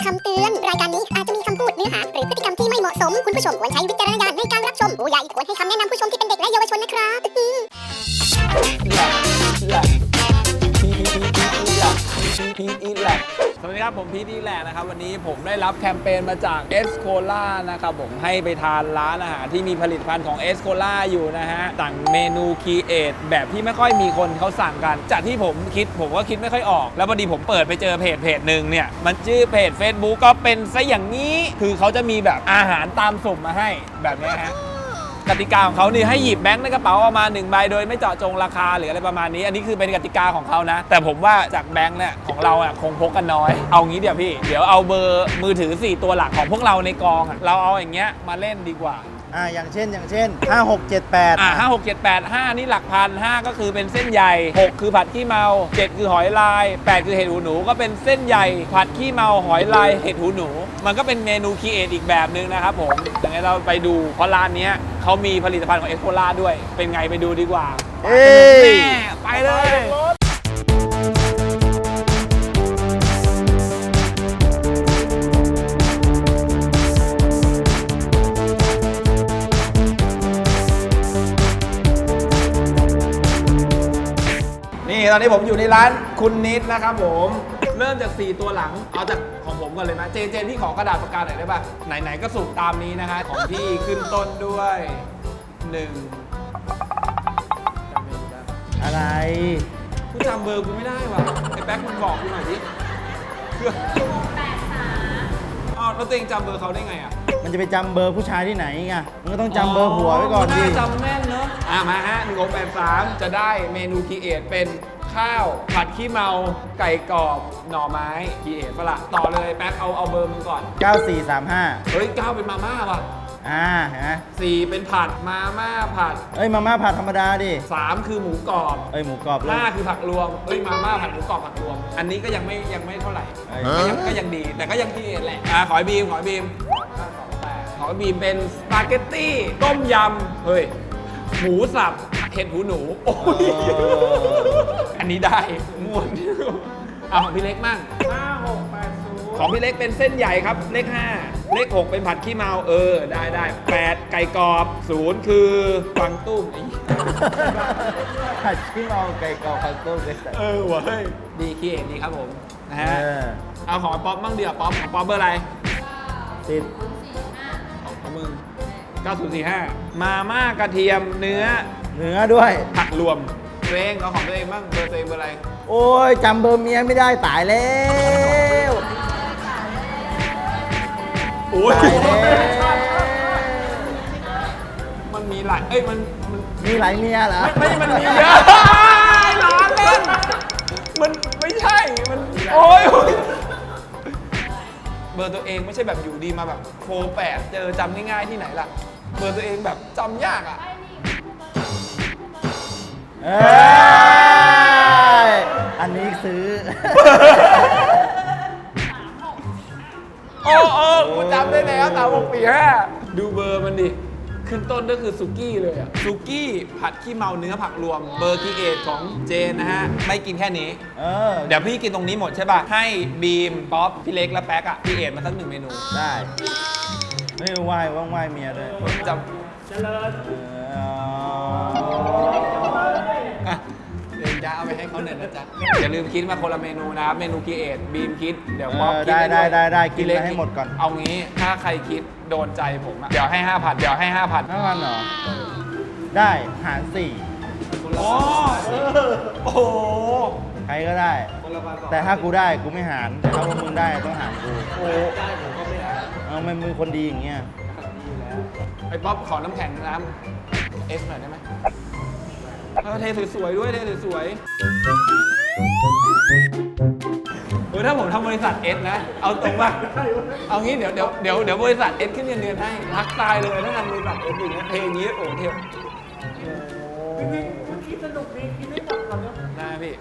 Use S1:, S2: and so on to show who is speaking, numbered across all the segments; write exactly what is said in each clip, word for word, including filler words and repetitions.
S1: ำเตือน รายการนี้อาจจะมีคำพูดเนื้อหาหรือพฤติกรรมที่ไม่เหมาะสม คุณผู้ชมควรใช้วิจารณญาณในการรับชม ผู้ใหญ่ควรให้คำแนะนำผู้ชมที่เป็นเด็กและเยาวชนนะครับ
S2: สวัสดีครับผมพีทอีแลกนะครับวันนี้ผมได้รับแคมเปญมาจากเอสโคล่านะครับผมให้ไปทานร้านอาหารที่มีผลิตภัณฑ์ของเอสโคล่าอยู่นะฮะสั่งเมนูคีเอทแบบที่ไม่ค่อยมีคนเขาสั่งกันจากที่ผมคิดผมก็คิดไม่ค่อยออกแล้วพอดีผมเปิดไปเจอเพจเพจหนึ่งเนี่ยมันชื่อเพจ Facebook ก็เป็นซะอย่างนี้คือเขาจะมีแบบอาหารตามสุ่มมาให้แบบนี้ฮะกติกาของเขานี่ให้หยิบแบงค์ในกระเป๋าออกมาหนึ่งใบโดยไม่เจาะจงราคาหรืออะไรประมาณนี้อันนี้คือเป็นกติกาของเขานะแต่ผมว่าจากแบงค์เนี่ยของเราอ่ะคงพกกันน้อยเอางี้เดี๋ยวพี่เดี๋ยวเอาเบอร์มือถือสี่ตัวหลักของพวกเราในกองอ่ะเราเอาอย่างเงี้ยมาเล่นดีกว่า
S3: อ่าอย่างเช่นอย่างเช่นห้า หก เจ็ด แปด
S2: อ่าห้า หก เจ็ด แปด ห้านี่หลักพันห้าก็คือเป็นเส้นใหญ่หกคือผัดขี้เมาเจ็ดคือหอยลายแปดคือเห็ดหูหนูก็เป็นเส้นใหญ่ผัดขี้เมาหอยลายเห็ดหูหนูมันก็เป็นเมนูคีเอทอีกแบบนึงนะครับผมอย่างนั้นเราไปดูเพราะร้านนี้เขามีผลิตภัณฑ์ของเอสโคล่าด้วยเป็นไงไปดูดีกว่าเอ้ยไปเลยนี่ตอนนี้ผมอยู่ในร้านคุณนิดนะครับผมเริ่มจากสี่ตัวหลังเอาจากของผมก่อนเลยนะเจนเจนที่ขอกระดาษปากกาหน่อยได้ป่ะไหนๆก็สุ่มตามนี้นะฮะของพี่ขึ้นต้นด้วยหนึ่ง
S3: อะไร
S2: กูจำเบอร์กูไม่ได้ว่ะไอ้แป๊กมันบอกกูหน่อยดิแปดสามอ้าวแล้วตัวเองจำเบอร์เขาได้ไงอ่ะ
S3: มันจะไปจำเบอร์ผู้ชายที่ไหนไงมันก็ต้องจำเบอร์ผัวไว้ก่อนดิ
S2: จำแม่นเนอะอ่ะมาฮะหนึ่งหกแปดสามจะได้เมนูคีเอทเป็นข้าวผัดขี้เมาไก่กรอบหน่อไม้คีเอทปะล่ะต่อเลยแป๊กเอาเอาเบอร์มึงก่อน
S3: เก้า สี่ สาม ห้า
S2: เฮ้ยเก้าเป็นมาม่าว่ะ
S3: อ่าเห็นไหม
S2: สี่เป็นผัดมาม่าผัด
S3: เอ้ยมาม่าผัดธรรมดาดิ
S2: สามคือหมูกรอบ
S3: เอ้ยหมูกรอบเลย
S2: ห้าคือผักรวมเอ้ยมาม่าผัดหมูกรอบผักรวมอันนี้ก็ยังไม่ยังไม่เท่าไหร่ก็ยังก็ยังดีแต่ก็ยังคีเอทแหละอ่าขอบีมขอบีมขอบีมเป็นสปาเกตตี้ต้มยำเฮ้ยหมูสับเห็ดหูหนูโอ้ยอันนี้ได้ม่วนเอาของพี่เล็กมั่งห้า หก แปด ศูนย์ของพี่เล็กเป็นเส้นใหญ่ครับเลขห้าเลขหกเป็นผัดขี้เมาเออได้ได้แปดไก่กรอบศูนย์คือกวางตุ้ง
S3: ผัดขี้เมาไก่กรอบกวางตุ้งเลย
S2: เออวะเฮ้ยดีคีเอทดีครับผมนะฮะเอาของป๊อปมั่งเดี๋ยวป๊อปของป๊อปเบอร์อะไร
S3: สิบ
S2: ของมึงเก้า ศูนย์ สี่ ห้ามาม่ากระเทียมเนื้อ
S3: เนื้อด้วย
S2: ผักรวมตัวเองเอาของตัวเองบ้างเบอร์ตัวเองเบอร์อะไร
S3: โอ้ยจำเบอร์เมียไม่ได้ตายแล้ว
S2: โอ้ย
S3: ตายแล้ว
S2: มันมีหลายเอ้ยมันมัน
S3: มีหลายเมียเหรอ
S2: ไม่มันมีเยอะล้อเล่นมันไม่ใช่มันโอ้ยเบอร์ตัวเองไม่ใช่แบบอยู่ดีมาแบบโฟร์แปดเจอจำง่ายๆที่ไหนล่ะเบอร์ตัวเองแบบจำยากอ่ะ
S3: เอ้ยอันนี้ซื้อ
S2: โอ้โอ้กูจำได้แล้วสามหกปีห้าดูเบอร์มันดิขึ้นต้นก็คือซุกี้เลยอะซุกี้ผัดขี้เมาเนื้อผักรวมเบอร์คีเอทของเจนนะฮะไม่กินแค่นี้เออเดี๋ยวพี่กินตรงนี้หมดใช่ป่ะให้บีมป๊อปพี่เล็กและแป๊กอะคีเอทมาสักหนึ่งเมนู
S3: ได้ไม่ไหว้ว่างไหว้เมียด้วย
S2: จำเจริญเดี๋ยวจะเอาไปให้เขาหน่อยนะจ๊ะอย่าลืมคิดมาคนละเมนูนะครับเมนูคีเอทบีมคิดเดี๋ยวป๊อปคิด
S3: ได้ได้ได้กินให้หมดก่อน
S2: เอางี้ถ้าใครคิดโดนใจผมอะเดี๋ยวให้ห้าพันเดี๋ยวให้ห้าพัน
S3: ห้าพันเหรอได้หารสี่
S2: โอ้โอ้
S3: ใครก็ได้แต่ถ้ากูได้กูไม่หารแต่ถ้าพวกมึงได้ต้องหารกูโอ้ได้ผมก็ไม่หารเอาไม่มึงคนดีอย่างเงี้ย
S2: ไอ้ป๊อปขอน้ำแข็งน้ำเอสหน่อยได้ไหมเทสวยๆด้วยเทสวยๆเออถ้าผมทำบริษัทเอสนะเอาตรงป่ะเอางี้เดี๋ยวเดี๋ยวเดี๋ยวเดี๋ยวบริษัทเอสขึ้นเงินเดือนให้รักตายเลยถ้าทำบริษัทเอสอย่างเงี้ยเทอย่างงี้โอ้เทวพี่พี่คิดสนุกดีคิดไม่หมดหรอกนะพี่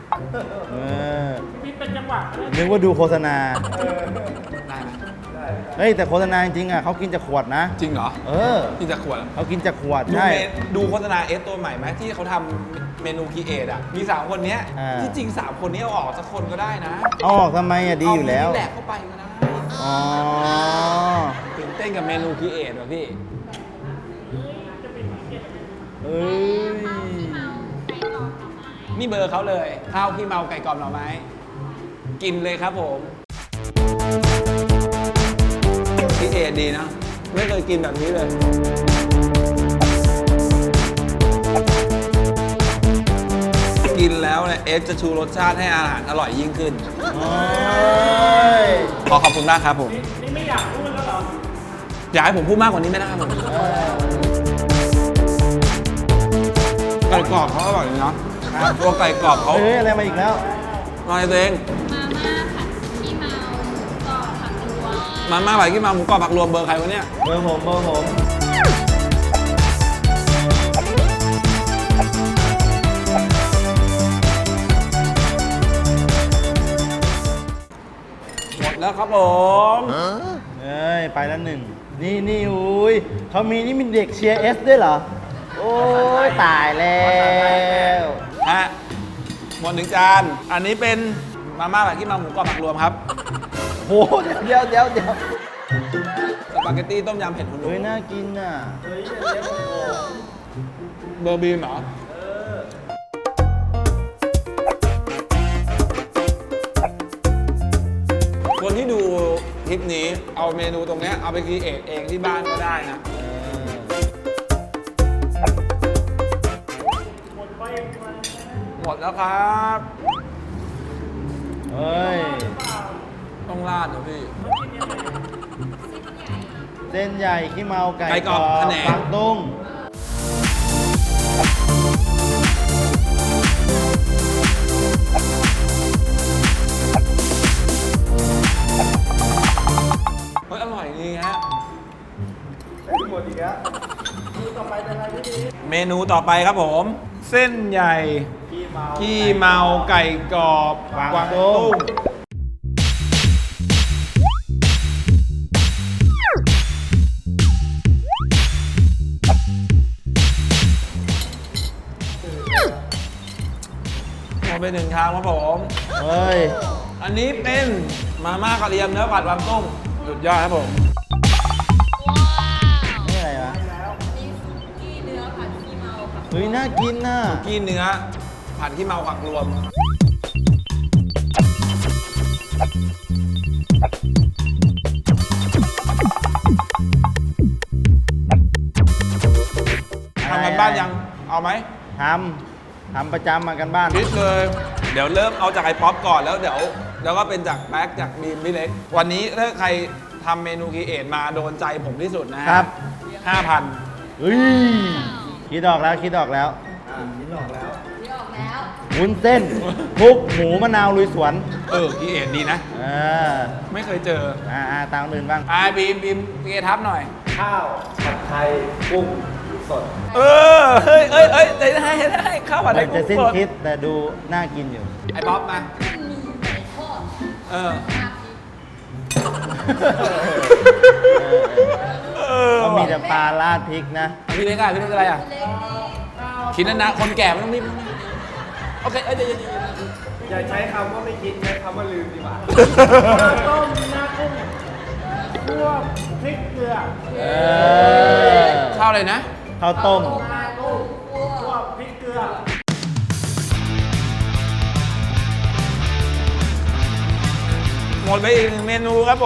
S3: เออพี่เป็นจังหวะนึกว่าดูโฆษณา
S2: ได้ไหม
S3: เฮ้ยแต่โฆษณาจริงๆอ่ะเขากินจากขวดนะ
S2: จริงเหรอ
S3: เออ
S2: ที่จะขวด
S3: เขากินจากขวด
S2: ดู
S3: ใช่
S2: เมดูโฆษณาเอสตัวใหม่ไหมที่เขาทำเมนูคีเอทอ่ะมีสามคนเนี้ย
S3: อ่า
S2: ที่จริงสามคนนี้เอาออกสักคนก็ได้นะ
S3: เอาออกทำไมอ่ะดีอยู่แล้ว
S2: เาแดกเข้าไปก็ได้
S3: อ๋อ
S2: ตื่นเต้นกับเมนูคีเอทว่ะพี่
S3: เอ้ย
S2: นี่เบอร์เขาเลยข้าวขี้เมาไก่กรอบหน่อไม้กินเลยครับผมคีเอทดีนะไม่เคยกินแบบนี้เลยกินแล้วเนี่ยเอฟจะชูรสชาติให้อาหารอร่อยยิ่งขึ้น
S3: โอ้ย
S2: ขอขอบคุณมากครับผมนี่ไม่อยากพูดแล้วเหรออยากให้ผมพูดมากกว่านี้ไม่ได้ครับผมไก่กรอบเขาอร่อยเนาะตัวไก่กรอบเขา
S3: เฮ้ยอะไรมาอีกแล้ว
S2: ลอยตัวเอง
S4: มาม่าผัดขี้เมาหมูกรอบผักรวม
S2: มาม่าผัดขี้เมาหมูกรอบผักรวมเบอร์ใครวะเนี่ย
S3: เบอร์ผมเบอร์ผม
S2: หมดแล้วครับผม
S3: เอ้ย ไปแล้วหนึ่ง นี่นี่อุ้ยเขามีนี่มีเด็กเชียร์เอสด้วยเหรอ โอ้ย ตายแล้ว
S2: ฮะหมดหนึ่งจาน อันนี้เป็นมาม่าผัดขี้เมาหมูกรอบผักรวมครับ
S3: โหเดี๋ยวเดี๋ยวเดี๋ยว
S2: สปาเกตตี้ต้มยำเผ็ดหุ่น
S3: เฮ้ย น่ากินน่ะ
S2: เบอร์บีมเหรอคนที่ดูคลิปนี้เอาเมนูตรงเนี้ยเอาไปคีเอทเองที่บ้านก็ได้นะ หมดแล้วครับ
S3: เฮ้ย
S2: ต้องราดเหรอพี่
S3: เส้นใหญ่ขี้เมาไก่
S2: ไก่กรอบแผนง
S3: ปักตุ้ง
S2: เฮ้ยอร่อยดีฮะ
S3: หมดอีกแล้ว
S2: เมนูต่อไปครับผม เส้นใหญ่ขี้เมาไก่กรอบกวางตุ้งหมดไปหนึ่งชามครับผม
S3: เฮ้ย
S2: อันนี้เป็นมาม่ากระเทียมเนื้อผัดกวางตุ้งสุดยอดครับผม
S3: นี่อะไรวะ
S4: นี่ซุกี้เนื้อผัดขี้เมาค่ะ
S3: เฮ้ย น่ากินน่ะ
S2: กี้เนื้อผัดขี้เมาผักรวม ทำกันบ้านยัง เอาไหม
S3: ทำ ทำประจำมากันบ้าน
S2: คิดเลย เดี๋ยวเริ่มเอาจากไอ้ป๊อปก่อนแล้วเดี๋ยวแล้วก็เป็นจากแบ็กจากบีมพี่เล็ก วันนี้ถ้าใครทำเมนูคีเอทมาโดนใจผมที่สุดนะฮะ
S3: ครับ
S2: ห้าพัน
S3: เฮ้ย คิดออกแล้ว คิดออกแล้ว
S4: ที่ออกแล้ว
S3: วุ้นเส้นคลุกหมูมะนาวลุยสวน
S2: เออคีเอทดีนะ
S3: เออ
S2: ไม่เคยเจอ
S3: อ่าอ่าตามอื่นบ้าง
S2: อ่าบีมบีมเกทับหน่อย
S5: ข้าวผัดไทยกุ้งสด
S2: เออ เฮ้ยเอ้ยเอ้ยได้ได้ได้ข้าวผัดไทย
S3: จะ
S2: กุ้ง
S3: สิ้น
S2: สด
S3: คิดแต่ดูน่ากินอยู่
S2: ไอ้ป๊อปมา
S4: มีไก่ทอด
S2: เออ
S4: มาพริก
S2: เออ
S3: ก็มีแต่ปลาราดพริกนะ
S2: พี่เล็กอะพี่เล็กอะไรอะ
S4: เล็กนี่
S2: คิดนะนะคนแก่ไม่ต้องรีบโอเค เอ้ยเดี๋ยวเดี๋ยว
S5: อย่าใช้คำว่าไม่คิดใช้คำว่าลืมดีกว่า
S3: ต้ม เออ
S2: ข้าวอะไรนะ
S3: ข้าวต้ม
S4: มาลูกคั่ว
S2: หมดไปอีกหนึ่งเมนูครับผม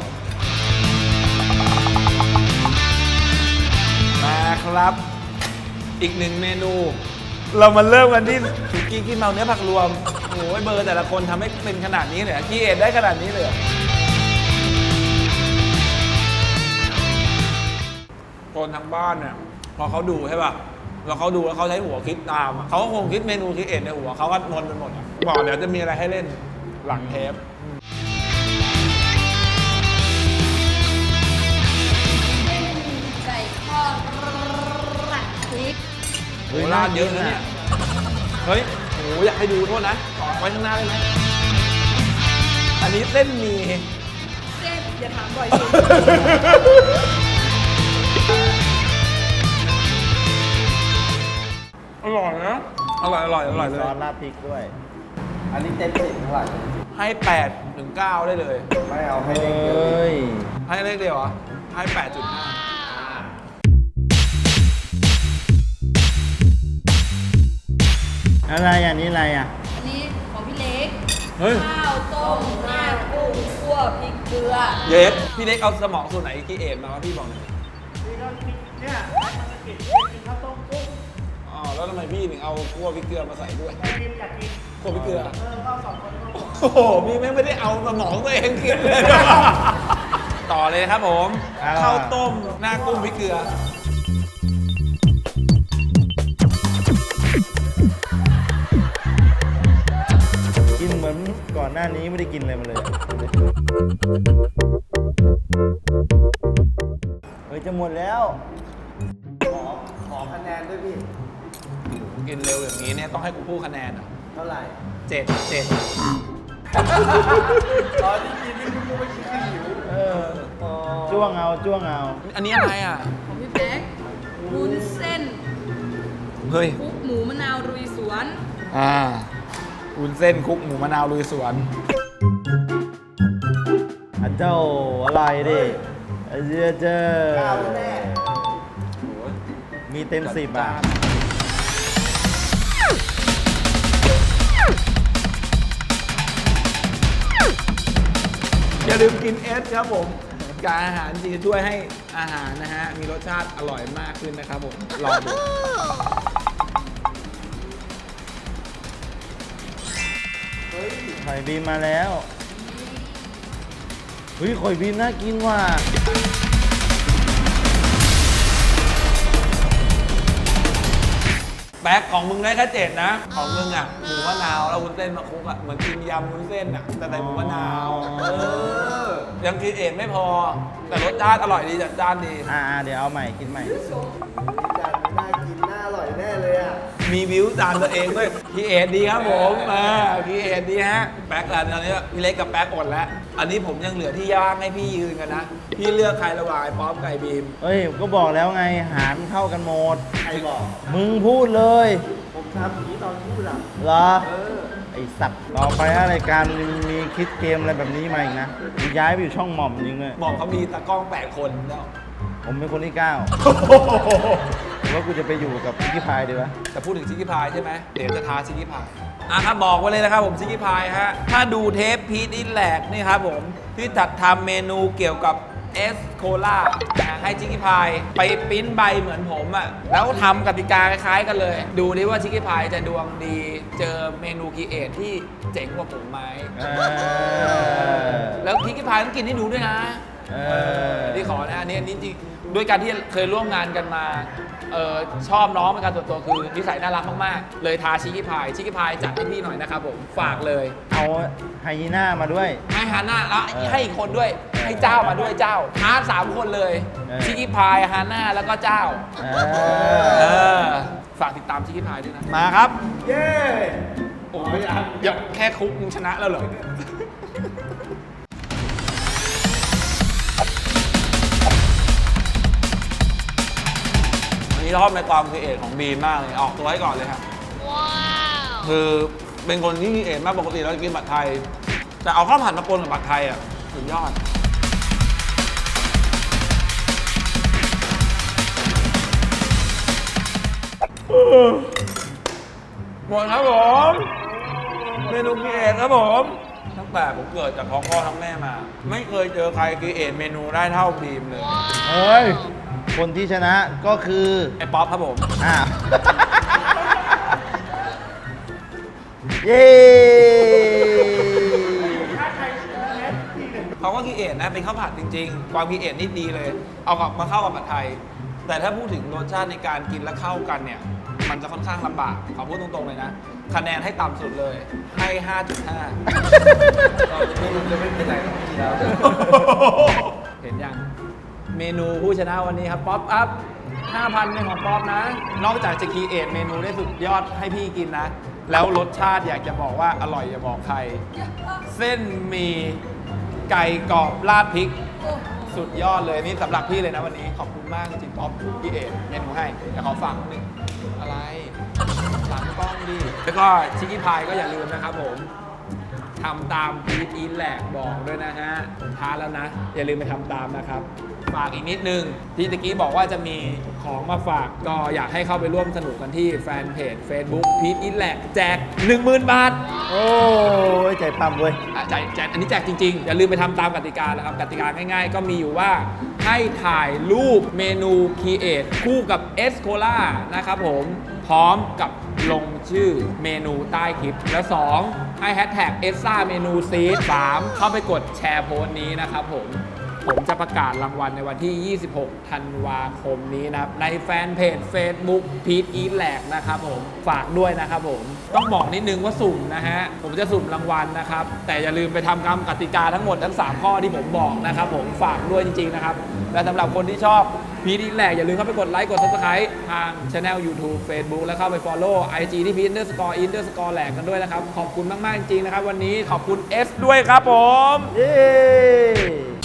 S2: มาครับ อีกหนึ่งเมนู เรามาเริ่มกันที่สุกี้ขี้เมาเนื้อผักรวม โอ้ยเบอร์แต่ละคนทำให้เป็นขนาดนี้เลยอะคีเอทได้ขนาดนี้เลยอะคนทางบ้านเนี่ยพอเขาดูใช่ป่ะแล้วเขาดูแล้วเขาใช้หัวคิดตามอะเขาก็คงคิดเมนูคีเอทในหัวเขาก็นนไปหมดอะบอกเดี๋ยวจะมีอะไรให้เล่นหลังเทป
S4: ไก่ทอดผัดพริก
S2: โหราดเยอะนะเนี่ย เฮ้ยโหอยากให้ดูโทษนะขอไว้ข้างหน้าได้ไหม อันนี้เส้นหมี่
S4: เส้นหอย่าถามบ่อยสิ
S2: อร่อยนะ อร่อย อร่อย อร่อย
S3: มี
S2: เล
S3: ซอย สราดพริกด้วย
S5: อันนี้เต็มสิบเท่าไหร่
S2: ให้แปดถึงเก้าได้เลย
S5: ไม่เอาให้
S3: เฮ
S5: เล็กเดียว้
S3: ย
S2: ให้เลขเดียวเหรอ ให้แปดจุดห้า
S3: อะไรอันนี้อะไรอ่ะ
S4: อันนี้ของพี่เล็ก
S2: เฮ้ย
S4: ข้าวต้มหน้ากุ้งคั่วพริกเกลือ
S2: เยสพี่เล็กเอาสมองส่วนไหนกีเอ็นมาวะพี่บอกหน่อยอ๋อ แล้วทำไมพี่ถึงเอาคั่วพริกเกลือมาใส่ด้วยคั่วพริกเกลือโอ้โห พี่ไม่ไม่ได้เอาสมองตัวเองกินเลย ต่อเลยครับผม
S3: อ่า
S2: ข้าวต้มหน้ากุ้งพริกเกลือ
S3: กินเหมือนก่อนหน้านี้ไม่ได้กินอะไรมาเลย เฮ้ยจะหมดแล้ว
S5: ขอขอคะแนนด้วยพี่
S2: กินเร็วอย่างนี้เนี่ยต้องให้กูพูดคะแนนอ่ะ
S5: เท่าไหร่
S2: เจ็ดเจ็ด
S5: ตอนที่กินนี่คุณไม่คิดคือหิว
S3: เออ จ้วงเอาจ้วงเอา
S2: อันนี้อะไรอ่ะ
S4: ของพี่แบ๊กวุ้นเส้น
S2: เฮ้ย
S4: คลุกหมูมะนาวรุยสวน
S2: อ่าวุ้นเส้นคลุกหมูมะนาวลุยสวน
S3: อันเจ้าอะไรดิเอเจอเจอ
S5: เก้าแน่
S3: มีเต็มสิบอ่ะ
S2: อย่าลืมกินเอสครับผม การอาหารจริงจะช่วยให้อาหารนะฮะ มีรสชาติอร่อยมากขึ้นนะครับผม ลองดู
S3: ไข่บีมมาแล้วเฮ้ยไข่บีมน่ากินว่ะ
S2: แบ็คของมึงได้แค่เจ็ดนะ ของมึงอ่ะ หมูมะนาวแล้ววุ้นเส้นมาคลุกอ่ะ เหมือนกินยำวุ้นเส้นอ่ะ แต่ใส่หมูมะนาว เออ ยังกินเองไม่พอ แต่รสชาติอร่อยดีจัดจ้านดี
S3: อ่าเดี๋ยวเอาใหม่กินใหม่
S5: จานน่ากินน่าอร่อยแน่เลยอ่ะ
S2: มีวิวตามตัวเองด้วยพี่เอ็ดดีครับผมมาพี่เอ็ดดีฮะแป๊กอันนี้พี่เล็กกับแป๊กอดแล้ว อันนี้ผมยังเหลือที่ย่างให้พี่ยืนกันนะ พี่เลือกใครระหว่างไอ้ป๊อปไก่บีม
S3: เฮ้ย ก็บอกแล้วไงหารเท่ากันหมด
S5: ใครบอก
S3: มึงพูดเลย
S5: ผมทำอย่างนี้ตอนพูดอ่ะ
S3: เหรอ
S5: เออ
S3: ไอสัตว์ ต่อไปถ้ารายการมีมีคิดเกมอะไรแบบนี้มาอีกนะกูย้ายไปอยู่ช่องหม่อมจริงเลย
S2: บอกเขามีตากล้องแปดคนแล้ว
S3: ผมเป็นคนที่เก้าหรือว่ากูจะไปอยู่กับพิกกี้พายดีวะ
S2: จะพูดถึงชิคกี้พายใช่ไหมเดี๋ยวจะท้าชิคกี้พายอ่ะครับบอกไว้เลยนะครับผมชิคกี้พายฮะถ้าดูเทปพีทอินแลกนี่ครับผมที่จัดทำเมนูเกี่ยวกับเอสโคล่าให้ชิคกี้พายไปปริ้นใบเหมือนผมอ่ะแล้วทำกติกาคล้ายๆกันเลย ดูดิว่าชิคกี้พายจะดวงดีเจอเมนูคีเอทที่เจ๋งกว่าผมไหม
S3: เออ
S2: แล้วชิคกี้พายต้องกินให้ดูด้วยนะ
S3: เออ
S2: ที่ขอนะอันนี้อันนี้จริงด้วยการที่เคยร่วมงานกันมาเออชอบน้องเป็นการส่วนตัวคือนิสัยน่ารักมากๆเลยทาชิคกี้พายชิคกี้พายจัดให้พี่หน่อยนะครับผมฝากเลย
S3: เอาไฮยีน่ามาด้วย
S2: ให้ฮาน่าแล้ว
S3: เออ
S2: ให้อีกคนด้วยให้เจ้ามาด้วยเจ้าท้าสามคนเลย
S3: เออ
S2: ชิคกี้พายฮาน่าแล้วก็เจ้า
S3: เอ
S2: เอ
S3: อ
S2: อฝากติดตามชิคกี้พายด้วยนะมาครับ
S5: เย้
S2: โอ้ยอย่าแค่คุกมึงชนะแล้วเหรออันนี้ชอบในความครีเอทของบีมมากเลยออกตัวให้ก่อนเลยครับว้าวคือเป็นคนที่ครีเอทมากปกติเราจะกินผัดไทย แต่เอาข้าวผัดมาปนกับผัดไทยอ่ะสุดยอดหมดครับผมเมนูครีเอทครับผมตั้งแต่ผมเกิดจากท้องพ่อท้องแม่มา ไม่เคยเจอใครครีเอทเมนูได้เท่าบีมเลย
S3: เฮ้ย คนที่ชนะก็คือ
S2: ไอ้ป๊อปครับผม
S3: อ้าว เย้
S2: เขาก็คีเอทนะเป็นข้าวผัดจริงๆ ความคีเอทนี่ดีเลย เอากลับมาเข้ากับผัดไทย แต่ถ้าพูดถึงรสชาติในการกินและเข้ากันเนี่ย มันจะค่อนข้างลำบากขอพูดตรงๆเลยนะ คะแนนให้ต่ำสุดเลย ให้ ห้าจุดห้า
S5: นี่มันจะไม่เป็นไรหรอกพี่แล้ว
S2: เห็นยัง เมนูผู้ชนะวันนี้ครับป๊อปอัพห้าพันเป็นของป๊อปนะ นอกจากจะคีเอทเมนูได้สุดยอดให้พี่กินนะ แล้วรสชาติอยากจะบอกว่าอร่อยอย่าบอกใคร เส้นหมีไก่กรอบราดพริก
S4: โอ้โห
S2: สุดยอดเลยนี่สำหรับพี่เลยนะวันนี้ขอบคุณมากจริงๆป๊อปพี่เอกเมนูให้แต่ขอฝากหนึ่งอะไรหลังกล้องดิแล้วก็ชิคกี้พายก็อย่าลืมนะครับผมทำตามพีทอีทแหลกบอกด้วยนะฮะผมท้าแล้วนะ อย่าลืมไปทำตามนะครับฝากอีกนิดนึงที่ตะกี้บอกว่าจะมีของมาฝากก็อยากให้เข้าไปร่วมสนุกกันที่แฟนเพจ Facebook พีทอีทแหลกแจก หนึ่งหมื่น บาท
S3: โอ้ยใจปั๊มเว้ย
S2: อ่ะแจกแจกอันนี้แจกจริงๆ อย่าลืมไปทำตามกติกานะครับกติกาง่ายๆ ก็มีอยู่ว่าให้ถ่ายรูปเมนูคีเอทคู่กับเอสโคล่านะครับผมพร้อมกับลงชื่อเมนูใต้คลิป แล้ว สอง ให้แฮชแท็กเอสซ่าเมนูซีด สาม เข้าไปกดแชร์โพสต์นี้นะครับผม ผมจะประกาศรางวัลในวันที่ ยี่สิบหก ธันวาคมนี้นะครับในแฟนเพจ Facebook พีทอีทแหลกนะครับผมฝากด้วยนะครับผมต้องบอกนิดนึงว่าสุ่มนะฮะผมจะสุ่มรางวัลนะครับแต่อย่าลืมไปทำตามกติกาทั้งหมดทั้งสามข้อที่ผมบอกนะครับผมฝากด้วยจริงๆนะครับและสำหรับคนที่ชอบพีทอีทแหลกอย่าลืมเข้าไปกดไลค์กด Subscribe ทาง Channel YouTube Facebook แล้วเข้าไป Follow ไอ จี ที่พีท underscore underscore แหลกกันด้วยนะครับขอบคุณมากๆจริงๆนะครับวันนี้ขอบคุณ S ด้วยครับผม
S3: เย้